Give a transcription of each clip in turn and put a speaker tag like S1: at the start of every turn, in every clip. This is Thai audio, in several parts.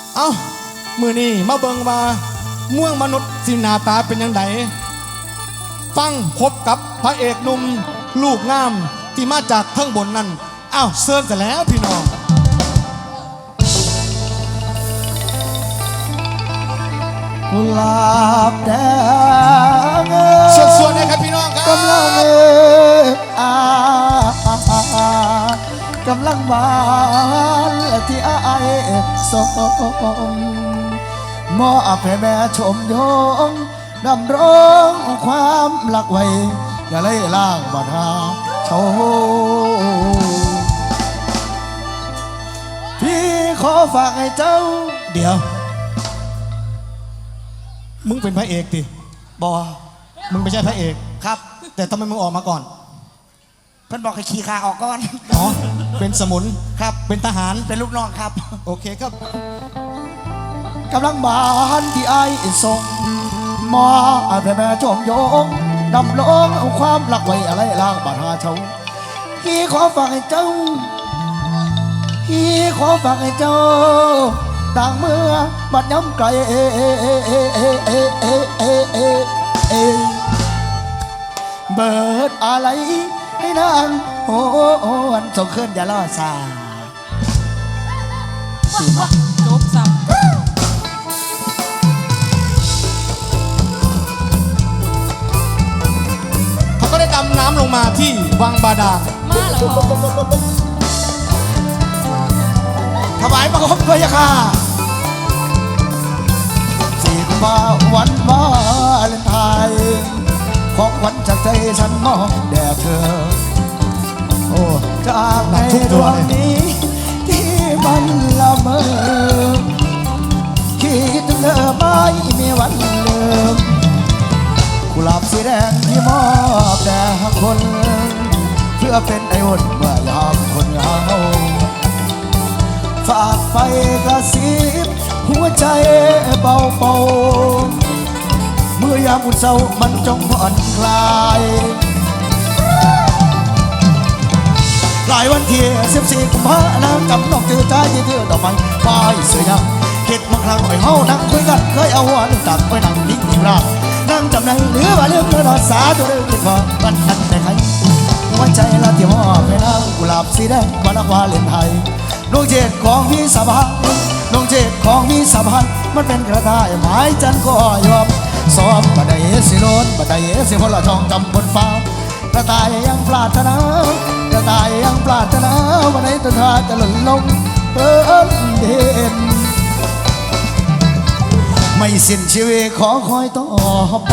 S1: เอ้ามือนี่มาเบิงว่าเมืองมนุษย์สิหน้าตาเป็นยังไงฟังพบกับพระเอกหนุ่มลูกงามที่มาจากทั้งบนนั่นอ้าวเซิร์นแต่แล้วพี่น้อง
S2: กุหลาบแดง
S1: ส่วนๆนะครับพี่น้องครับ
S2: กำลังกำลังบานที่อายสมมอบให้แม่ชมยงดำร้องความหลักไว้อย่าเลยล่างบาดาโชพี่ขอฝากให้เจ้า
S1: เดี๋ยวมึงเป็นพระเอกดิ
S2: บอ
S1: มึงไม่ใช่พระเอก
S2: ครับ
S1: แต่ทำไมมึงออกมาก่อน
S2: เพิ่นบอกให้ขี่ขาออกก่อน
S1: อ๋อเป็นสมุน
S2: ครับ
S1: เป็นทหาร
S2: เป็นลูกน้องครับ
S1: โอเคครับ
S2: กำลังบานที่ไอ้ส่งมอแผ่แม่ชมยงดำลงเอาความหลักไว้อะไรล่างบาดาเช้าพี่ขอฝากให้เจ้าพี่ขอฝากให้เจ้าต่างเมื่อบัดย้ำไกลเบิดอะไรให้นางโอ้วันส่งขึ้นอย่าล่อซา
S3: จบสับ
S1: เขาก็ได้ดำน้ำลงมาที่วังบาดาล
S3: มาแล้ว
S2: ถวายบังคมพระยาค่ะสิมาวันวาเลนไทน์ของวันจากใจฉันมองแด่เธอโอ้จากในดวงนี้ที่มันละเมอคิดถึงเธอไม่มีวันลืมกุหลาบสีแดงที่มอบแด่คนเพื่อเป็นไออุ่นเมื่อยามคนเหงาฝากไฟกระซิบหัวใจเบาๆเมื่อยามอุ่นเศร้ามันจงผ่อนคลายหลายวันที่14 กุมภาพันธ์กับน้องจือใจที่เธอดอกไม้ไม้เสียยังคิดมาครั้งหน่อยเฮานั่งคุยกันเคยเอาหัวนึงตักไว้นั่งนิ่งๆราบนั่งจำในหรือว่าเรื่องเรื่องสาตัวเรื่องที่พอวันทันแต่ใครหัวใจละที่มอบให้นางกุหลาบสีแดงวันละวาเลนไทน์ดวงเจตของพี่สะพานดวงเจตของพี่สะพานมันเป็นกระต่ายหมายจันก็ยอมซ้อมบัดใดสิโลนบัดใดสิพลละทองจำบนฟ้ากระต่ายยังปรารถนากระต่ายยังปรารถนาวันไหนต้นทาจะหล่นลงเปิ้นเด่นไม่สิ้นชีวิตขอคอยต่อไป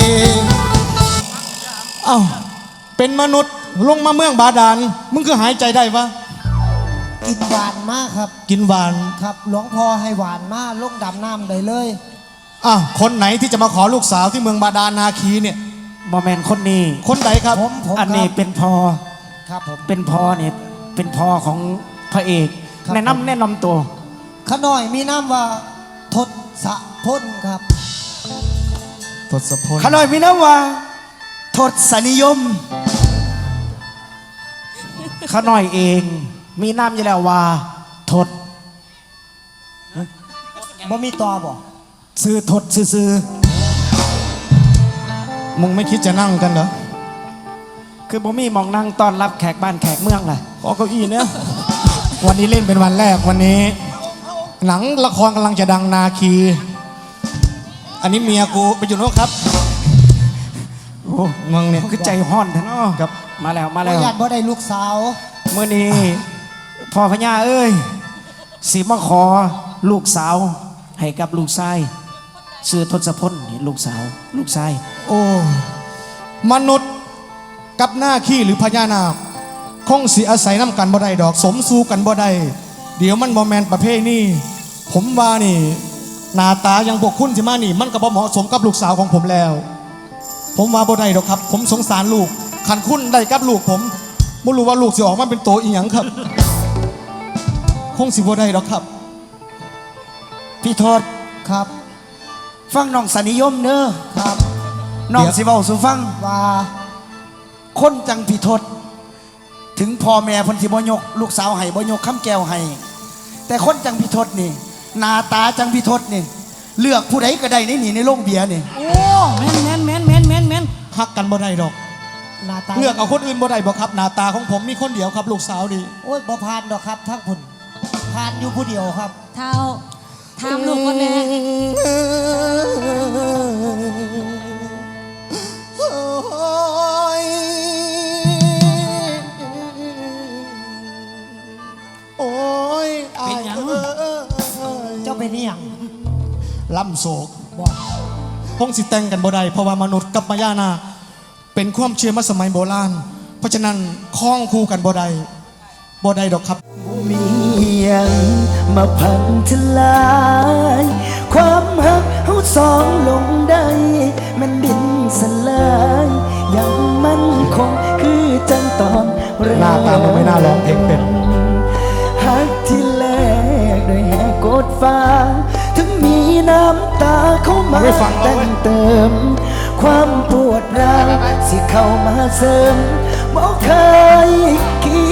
S1: เอ้าเป็นมนุษย์ลงมาเมืองบาดาลมึงคือหายใจได้ปะ
S2: กินหวานมากครับ
S1: กินหวาน
S2: ครับหลวงพ่อให้หวานมากลงดำน้ำได้เลย
S1: คนไหนที่จะมาขอลูกสาวที่เมืองบาดาลนาคีเนี่ย
S4: บอแมนคนนี้
S1: คนไหนครับ
S4: ผมอันนี้เป็นพอ
S2: ครับผม
S4: เป็นพอเนี่ยเป็นพอของพระเอกแนะนำตัว
S2: ขน้อยมีน้ำว่าทศพลครับ
S1: ทศพล
S4: ขน้อยมีน้ำว่าทศนิยมขน้อยเองมีน้ำอยู่แล้วว่าทศ
S2: บ่มีตัวบ่
S4: ซื้อทศซื้อ
S1: มึงไม่คิดจะนั่งกันเหรอ
S4: คือบ่มีมองนั่งต้อนรับแขกบ้านแขกเมืองเลย
S1: ขอเก้าอี้เนี่ยวันนี้เล่นเป็นวันแรกวันนี้หนังละครกำลังจะดังนาคีอันนี้เมียกูไปอยู่โน่นครับ
S4: โอ้มึงเนี่ยคือใจห้อนแท้เนาะครับมาแล้ว
S2: ญาติบ่ได้ลูกสาว
S4: เมื่อนี้พ่อพญาเอ้ยสิมาขอลูกสาวให้กับลูกชายชื่อทศพลนี่ลูกชาย
S1: โอ้มนุษย์กับหน้าขี้หรือพญานาคคงสิอาศัยน้ำกันบ่ได้ดอกสมสู้กันบ่ได้เดี๋ยวมันบ่แมนประเภทนี่ผมว่านี่หน้าตายังพวกคุณสิมานี่มันก็บ่เหมาะสมกับลูกสาวของผมแล้วผมว่าบ่ได้ดอกครับผมสงสารลูกขันคุณได้กับลูกผมไม่รู้ว่าลูกสิออกมาเป็นโตอีหยังครับคงสิบ่ได้ดอกครับ
S4: พี่ทศ
S2: ครับ
S4: ฟังน้องสนิยมเนอะ
S2: ครับ
S4: น้องสิเว้าสู่ฟัง
S2: ว่า
S4: คนจังพี่ทศถึงพ่อแม่เพิ่นสิบ่ยกลูกสาวให้บ่ยกคำแก้วให้แต่คนจังพี่ทศนี่
S2: หน้าตาจังพิทศนี่เลือกผู้ใดก็ได้ในนี่ในโรงเบียร์นี่
S3: โอ้แม่นแม่นแม่นแม่นแม่นแม่น
S1: ฮักกันบ่ได้ดอก
S5: หน้าตา
S1: เลือกเอาคนอื่นบ่ได้บ่ครับหน้าตาของผมมีคนเดียวครับลูกสาวดี
S5: โอ้ยบ่ผ่านดอกครับทั้งผุนผ่านอยู่ผู้เดียวครับ
S3: เท้าถามลูกคนแน่
S1: โอ้ยโอ้ย
S3: เป็นหยัง
S5: เจ้าเป็นนี่ยัง
S1: ล่ำโศก
S5: บอก
S1: พงสิแต่งกันบ่ได้เพราะว่ามนุษย์กับมายานาคเป็นความเชื่อมาสมัยโบราณเพราะฉะนั้นคล้องคู่กันบ่ได้ดอกครับ
S6: มียังมาพันทลาย ความหักเฮาสองลงได้มันดินสลายยังมั่นคงคือจังตอนเริ่ม
S1: หน้าตามันไม่น่าร้องเพลงเป็น
S6: หักที่แลกด้วยแหกกดฟ้าถึงมีน้ำตาเข้ามา
S1: ไม่ฟังเรา
S6: แต่
S1: เว้ย
S6: งเติม ความปวดร้าวสิเข้ามาเสริมบ่เคยคิ